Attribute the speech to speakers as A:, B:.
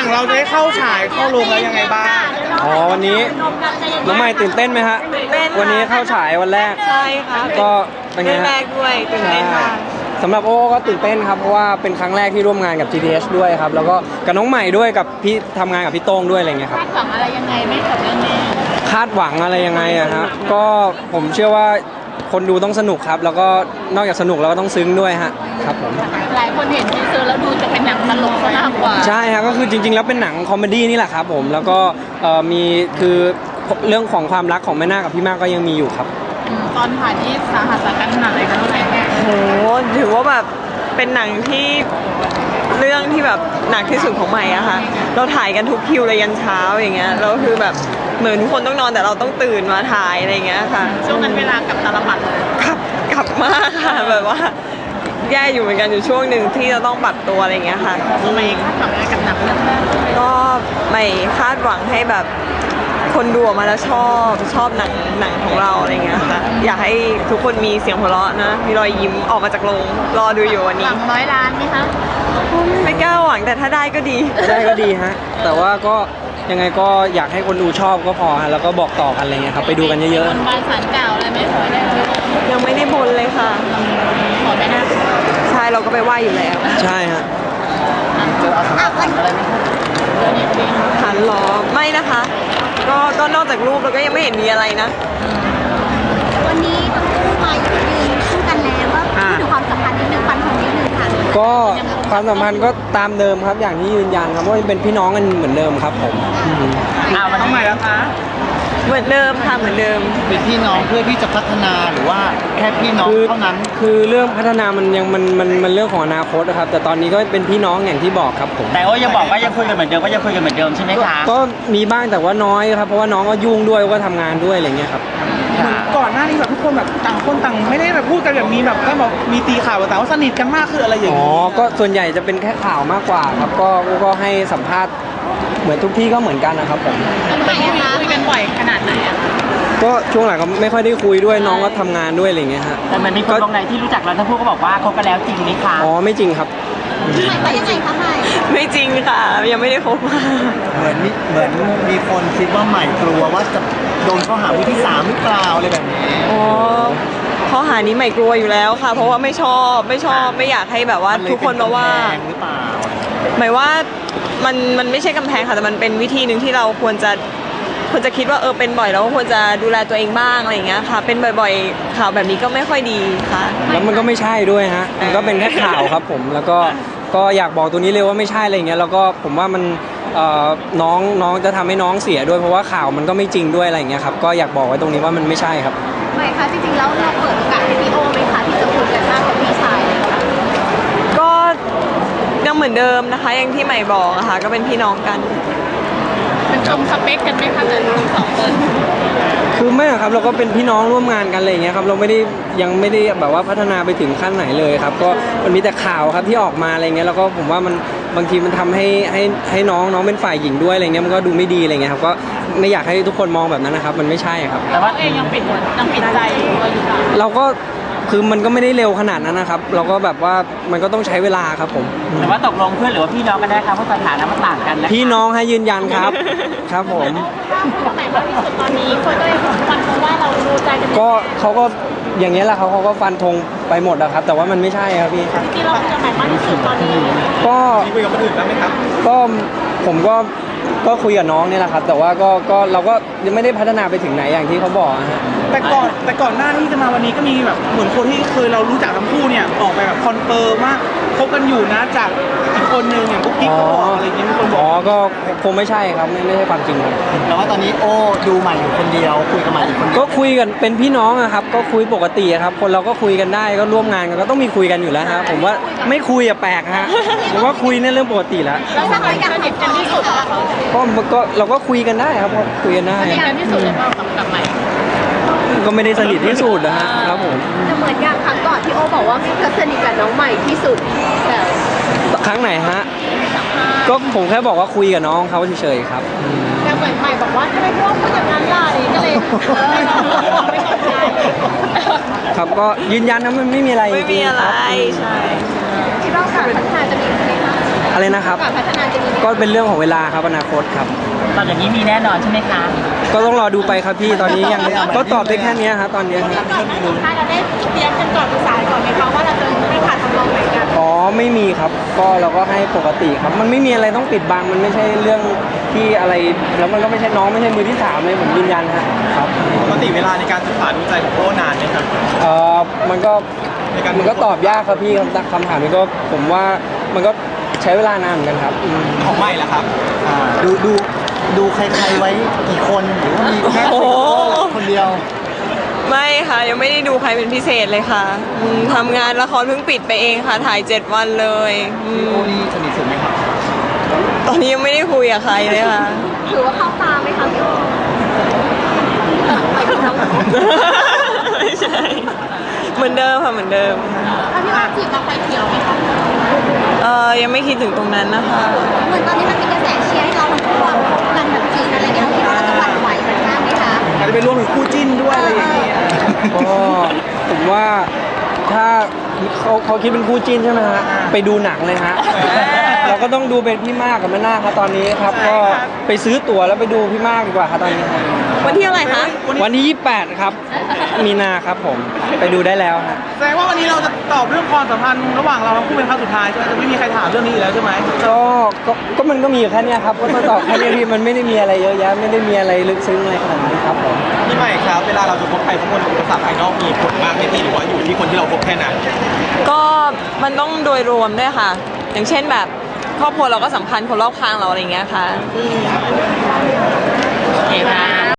A: ของเราจะได้เข้าฉายเข้าโรงแล้วยังไงบ้าง
B: วันนี้น้องใหม่ตื่นเต้นไหมฮะวันนี้เข้าฉายวันแรก
C: ใช่ค่ะ
B: ก็เป็นไงฮะ
C: แรกด้วยตื่นเต้นมาก
B: สำหรับโอ้ก็ตื่นเต้นครับเพราะว่าเป็นครั้งแรกที่ร่วมงานกับ GDH ด้วยครับแล้วก็กับน้องใหม่ด้วยกับพี่ทำงานกับพี่โต้งด้วยอะไรเงี้ยครับ
D: คาดหวังอะไรยังไงไหมกับเรื่องนี้
B: คาดหวังอะไรยังไงอะครับก็ผมเชื่อว่าคนดูต้องสนุกครับแล้วก็นอกจากสนุกแล้วก็ต้องซึ้งด้วยฮะครับผม
D: หลายคนเห็นทีเซอร์แล้วดูจะเป็นหนังตลกซะมากกว่า
B: ใช่ครับก็คือจริงๆแล้วเป็นหนังคอมเมดี้นี่แหละครับผมแล้วก็มีคือเรื่องของความรักของแม่นาคกับพี่มากก็ยังมีอยู่ครับ
D: ตอนถ่ายที่สาหัสสากันขนาดไหนกันเท่าไหร่แม่
C: โหถือว่าแบบเป็นหนังที่เรื่องที่แบบหนักที่สุดของใหม่อะค่ะเราถ่ายกันทุกคิวเลยยันเช้าอย่างเงี้ยแล้วคือแบบเหมือนทุกคนต้องนอนแต่เราต้องตื่นมาถ่ายอะไรเงี้ยค่ะ
D: ช่วงนั้นเวลากับตาลปัดเลย
C: กลับมากค่ะแบบว่าแย่อยู่เหมือนกันอยู่ช่วงหนึ่งที่เราต้องปรับตัวอะไรเงี้ยค่ะ
D: ไม่คาดหวังอะไรกับหนังเรื่องนี้
C: ก็ไม่คาดหวังให้แบบคนดูออกมาแล้วชอบหนังของเราอะไรเงี้ยค่ะอยากให้ทุกคนมีเสียงหัวเราะนะมีรอยยิ้มออกมาจากโรงรอดูอยู่วันนี้
D: หวัง100 ล้านไหมคะ
C: ไม่กล้าหวังแต่ถ้าได้ก็ดี
B: ได้ก็ดีฮะแต่ว่าก็ยังไงก็อยากให้คนดูชอบก็พอฮะแล้วก็บอกต่อกันอะไรเงี้ยครับไปดูกันเยอะ
D: ๆบนบานสารกล่าวอะไรไม่ขอได้
C: ยังไม่ได้บนเลยค่ะ
D: ขอไม่ได้
C: ใช่เราก็ไปไหว้อยู่แล้ว
B: ใช่ฮะ
D: เจออาถรรพ์อะไรไหม
C: หันหรอไม่นะคะก็นอกจากรูปเราก็ยังไม่เห็นมีอะไรนะ
E: วันนี้ทั้งคู่มายืนคู่กันแล้วว่าพูดถึงความสัมพันธ์นิดนึงฟันธงนิดนึงค่ะ
B: ก็ความสัมพันธ์ก็ตามเดิมครับอย่างที่ยืนยันครับว่าเป็นพี่น้องกันเหมือนเดิมครับผม
A: วันนี้ใหม่แล้วคะ
C: เหมือนเดิมค่ะเหมือนเดิม
A: เป็นพี่น้องเพื่อที่จะพัฒนาหรือว่าแค่พี่น้องเท่านั้น
B: คือเรื่องพัฒนามันยังมันเรื่องของอนาคตนะครับแต่ตอนนี้ก็เป็นพี่น้องอย่างที่บอกครับผม
A: แต่ว่ายังบอกว่ายังคุยกันเหมือนเดิมก็ยังคุยกันเหมือนเดิมใช่ไหมคะ
B: ก็มีบ้างแต่ว่าน้อยครับเพราะว่าน้องก็ยุ่งด้วยก็ทำงานด้วยอะไรเงี้ยครับ
A: ก่อนหน้านี้แบบทุกคนแบบต่างคนต่างไม่ได้แบบพูดกันแบบมีแบบก็แบบมีตีข่าวแต่ว่าสนิทกันมากคืออะไรอย่างนี้
B: ก็ส่วนใหญ่จะเป็นแค่ข่าวมากกว่าครับก็ให้สัมภาษณ์เหมือนทุกที่ก็เหมือนกันนะครับผม
D: แต่ที่คุยกันบ่อยขนาดไหนอะ
B: ก็ช่วงหลังก็ไม่ค่อยได้คุยด้วยน้องก็ทำงานด้วยอะไรเงี้ยฮะ
A: แต่มันมีคนตรงไหนที่รู้จักเราทั้งคู่ก็บอกว่าคบกันแล้วจริงไหมคะ
B: ไม่จริงครับ
E: ไม่ยังไงคะใหม่
C: ไม่จริงค่ะยังไม่ได้คบมา
A: เหมือนมีคนคิดว่าใหม่กลัวว่าจะโดนข้อหามือที่3หรือเปล่าอะไรแบบนี้
C: ข้อหานี้ใหม่กลัวอยู่แล้วค่ะเพราะว่าไม่ชอบไม่อยากให้แบบว่าทุกคนมาว่า
A: หรือเปล่า
C: หมายว่ามันไม่ใช่กำแพงค่ะแต่มันเป็นวิธีหนึ่งที่เราควรจะคิดว่าเป็นบ่อยแล้วก็ควรจะดูแลตัวเองบ้างอะไรอย่างเงี้ยค่ะเป็นบ่อยๆข่าวแบบนี้ก็ไม่ค่อยดีค่ะ
B: แล้วมันก็ไม่ใช่ด้วยฮะมันก็เป็นแค่ข่าวครับผมแล้วก็อยากบอกตัวนี้เลยว่าไม่ใช่อะไรอย่างเงี้ยแล้วก็ผมว่ามันน้องจะทำให้น้องเสียด้วยเพราะว่าข่าวมันก็ไม่จริงด้วยอะไรอย่างเงี้ยครับก็อยากบอกไว้ตรงนี้ว่ามันไม่ใช่ครับ
E: ไม่ค่ะจริงๆแล้วเราเปิดโอกาสให้พี่โอไหมคะที่จะคุยกันมากกว่าพี่ชายเลยค่ะ
C: ก็ยังเหมือนเดิมนะคะอย่างที่ใหม่บอกอะค่ะก็เป็นพี่น้องกัน
D: เป็นชมสเปคกันไหมคะแต่2 คน
B: คือไม่ครับเราก็เป็นพี่น้องร่วมงานกันอะไรอย่างเงี้ยครับเรายังไม่ได้แบบว่าพัฒนาไปถึงขั้นไหนเลยครับก็มันมีแต่ข่าวครับที่ออกมาอะไรเงี้ยแล้วก็ผมว่ามันบางทีมันทำให้น้องเป็นฝ่ายหญิงด้วยอะไรเงี้ยมันก็ดูไม่ดีอะไรเงี้ยครับก็ไม่อยากให้ทุกคนมองแบบนั้นนะครับมันไม่ใช่ครับ
D: แต่ว่าเองยังปิดใจ
B: เราก็คือมันก็ไม่ได้เร็วขนาดนั้นนะครับเราก็แบบว่ามันก็ต้องใช้เวลาครับผม
A: แต่ว่าตกลงเพื่อนหรือว่าพี่น้องกันได้ครับเพราะสถานะมันต่างกันนะ
B: พี่น้องให้ยืนยันครับครับผม
D: คนไหนมากที่สุดตอนนี้คนก็เลยฟันธงว่าเราดูใจกัน
B: ก็เขาก็อย่างเงี้ยแหละเขาก็ฟันธงไปหมดนะครับแต่ว่ามันไม่ใช่ครับพี่
D: ที่เราจะไหนมากที่สุดตอนนี้
B: ก็
A: คุยกับคนอื่นบ้างไหมครับ
B: ก็ผมก็คุยกับน้องเนี่ยแหละครับแต่ว่าก็เราก็ยังไม่ได้พัฒนาไปถึงไหนอย่างที่เขาบอกฮะ
A: แต่ก่อนหน้าที่จะมาวันนี้ก็มีแบบเหมือนคนที่เคยเรารู้จักทั้งคู่เนี่ยออกไปแบบคอนเฟิร์มว่าคบกันอยู่นะจากอีกคนนึงอย่างกุ๊กกิ๊กก็บอกอะไรอย่างเงี้ยมีคนบอก
B: ก็คงไม่ใช่ครับไม่ใช่ความจริงครับ
A: แต่ว่าตอนนี้โอ้ดูใหม่อยู่คนเดียวคุยกับใหม่อยู่คนเดียว
B: ก็คุยกันเป็นพี่น้องอะครับก็คุยปกติครับคนเราก็คุยกันได้ก็ร่วมงานกันก็ต้องมีคุยกันอยู่แล้วครับผมว่าไม่คุยอะแปลกฮะผมว่าคุยในเรื่องปกติแล้ว
D: แล้วถ้าเราอยากสนิทกันที่สุด
B: ก็เราก็คุยกันได้ครับคุยกันได้
D: สนิทกันที่สุดเลยกับใหม่
B: ก็ไม่ได้สนิทที่สุดนะฮะครับผม
E: จะเหมือนอย่างครั้งก่อนที่โอบอกว่ามีเพื่อนสนิทกับน้องใหม่ที่สุด
B: แต่ครั้งไหนฮะก็ผมแค่บอกว่าคุยกับน้องเขาเฉยๆครับ
D: แต่เหมือนใหม่บอกว่าทำไมพี่โอพูดอย่างนั้นล่ะนี่ก็เลยไม่ตกใจ
B: ครับก็ยืนยันนะมันไม่มีอะไร
C: ไม่มีอะไรใช่
E: คิดว่าการพัฒนาจะมีไหมคะ
B: อะอะไรนะครับ
D: การพัฒนาจะมี
B: ก็เป็นเรื่องของเวลาครับอนาคตครับ
F: ตอบอย่างนี้มีแน่นอนใช่ไหมคะ
B: ก็ต้องรอดูไปครับพี่ตอนนี้ยังก็ตอบได้แค่เนี้ยครับตอนเนี้ยครับ
D: ก่อนหน้านี้ค่ะเราได้เตรียมกันก่อนปรึกษาก่อนไหมคะว่าเราจะไม่ขาดทำนองไหนกัน
B: อ๋อไม่มีครับก็เราก็ให้ปกติครับมันไม่มีอะไรต้องปิดบังมันไม่ใช่เรื่องที่อะไรแล้วมันก็ไม่ใช่น้องไม่ใช่มือที่สามเลยผมยืนยันครับ
A: ปกติเวลาในการศึกษาดูใจของโอ้นานไหมครับ
B: เออมันก็ตอบยากครับพี่คำถามนี้ก็ผมว่ามันก็ใช้เวลานานเหมือนกันครับ
A: ของใหม่ละครับ
G: ดูใครๆไว้กี่คนหรือว่ามีแค่
C: โอ้โห
G: คนเดียว
C: ไม่ค่ะยังไม่ได้ดูใครเป็นพิเศษเลยค่ะทำงานละครเพิ่งปิดไปเองค่ะถ่าย 7 วันเลย
G: พี่โอ้นี่สนิทสุดไหมครับ
C: ตอนนี้ยังไม่ได้คุยกับใครเลยค่ะ
E: ถือว่าเข้าตาไหมคะพี่โอไปถึงทั้งหมด
C: ไม่ใช่เหมือนเดิมค่ะเหมือนเดิม
D: ถ้าพี่ว่าจีบเราไฟเขียวไหมคะ
C: ยังไม่คิดถึงตรงนั้นนะคะ
E: เหมือนตอนนี้มันมีกระแสเชียร์ให้เราทั้งคู่กันแบบจีนอะไรเงี้ยเราคิดว่าเราจะหวั่นไหวกันบ้างไหมคะ
A: อาจจะเป็นรวมถึงคู่จิ้นด้วยอะไรอย่างเงี้ย
B: ก็ผมว่าถ้าเขาคิดเป็นคู่จิ้นใช่ไหมฮะไปดูหนังเลยฮะเราก็ต้องดูเป็นพี่มากกับแม่นาคครับตอนนี้ครับก็ไปซื้อตั๋วแล้วไปดูพี่มากดีกว่าครับตอนนี้ครับ
C: วันที่อะไรคะ
B: วันที่28ครับมีนาครับผมไปดูได้แล้วฮะ
A: แสดงว่าวันนี้เราจะตอบเรื่องความสัมพันธ์ระหว่างเราทั้งคู่เป็นครั้งสุดท้ายใช่ไหมจะไม่มีใครถามเรื่องนี้อีกแล้วใช่ไหม
B: ก็มันก็มีอยู่แค่เนี้ยครับก็ต้องตอบแค่เนี้ยพี่มันไม่ได้มีอะไรเยอะแยะไม่ได้มีอะไรลึกซึ้งอะไรขนาดนั้นครับผม
A: พี่ใหม่ครับเวลาเราจะคบใครสักคนอุปสรรคภายนอกมีผลมากไหมพี่หรือว่าอยู่ที่คนที่เราคบแค่นั้น
C: ก็มันต้องโดยรวมด้วยค่ะ อย่างเช่นแบบครอบครัวเราก็สำคัญคนรอบข้างเราอะไรอย่างเงี้ยค่ะ
F: โอเคค่ะ